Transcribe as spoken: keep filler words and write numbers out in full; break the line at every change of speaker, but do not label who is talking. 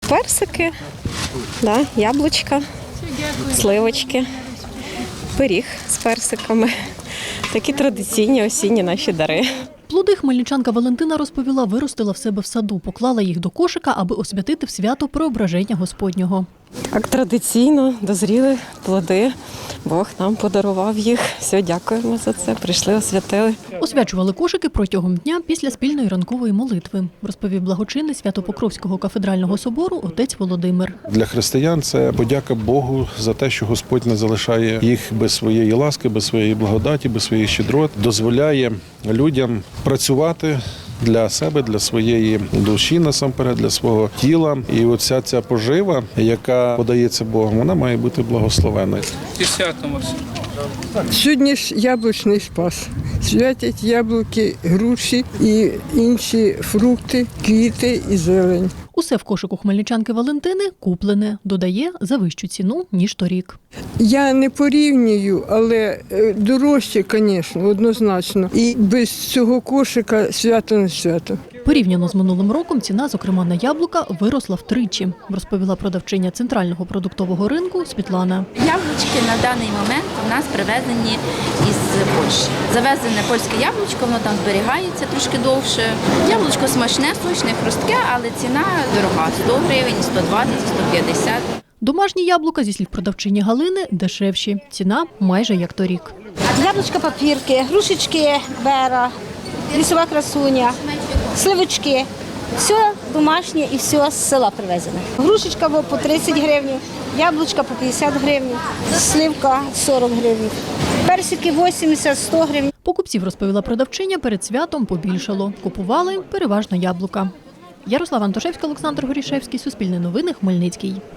Персики, да, яблучка, сливочки, пиріг з персиками. Такі традиційні осінні наші дари.
Плоди хмельничанка Валентина розповіла, виростила в себе в саду, поклала їх до кошика, аби освятити в свято Преображення Господнього.
Так, традиційно дозріли плоди. Бог нам подарував їх. Все, дякуємо за це. Прийшли, освятили.
Освячували кошики протягом дня після спільної ранкової молитви, розповів благочинний Свято-Покровського кафедрального собору отець Володимир.
Для християн це подяка Богу за те, що Господь не залишає їх без своєї ласки, без своєї благодаті, без своєї щедрот, дозволяє людям працювати для себе, для своєї душі, насамперед, для свого тіла. І оця ця пожива, яка подається Богом, вона має бути благословеною.
Сьогодні ж яблучний спас. Святять яблуки, груші і інші фрукти, квіти і зелень.
Усе в кошику хмельничанки Валентини куплене, додає, за вищу ціну, ніж торік.
Я не порівнюю, але дорожче, звісно, однозначно. І без цього кошика свято не свято.
Порівняно з минулим роком ціна, зокрема на яблука, виросла втричі, розповіла продавчиня центрального продуктового ринку Світлана.
Яблучки на даний момент у нас привезені із Польщі. Завезене польське яблучко, воно там зберігається трошки довше. Яблучко смачне, сочне, хрустке, але ціна дорога – сто гривень, сто двадцять, сто п'ятдесят.
Домашні яблука, зі слів продавчині Галини, дешевші. Ціна майже як торік.
Яблучка папірки, грушечки бера, лісова красуня, сливочки. Все домашнє і все з села привезене. Грушечка по тридцять гривень, яблучка по п'ятдесят гривень, сливка сорок гривень, персики вісімдесят - сто гривень.
Покупців, розповіла продавчиня, перед святом побільшало. Купували переважно яблука. Ярослава Антошевська, Олександр Горішевський, Суспільне новини, Хмельницький.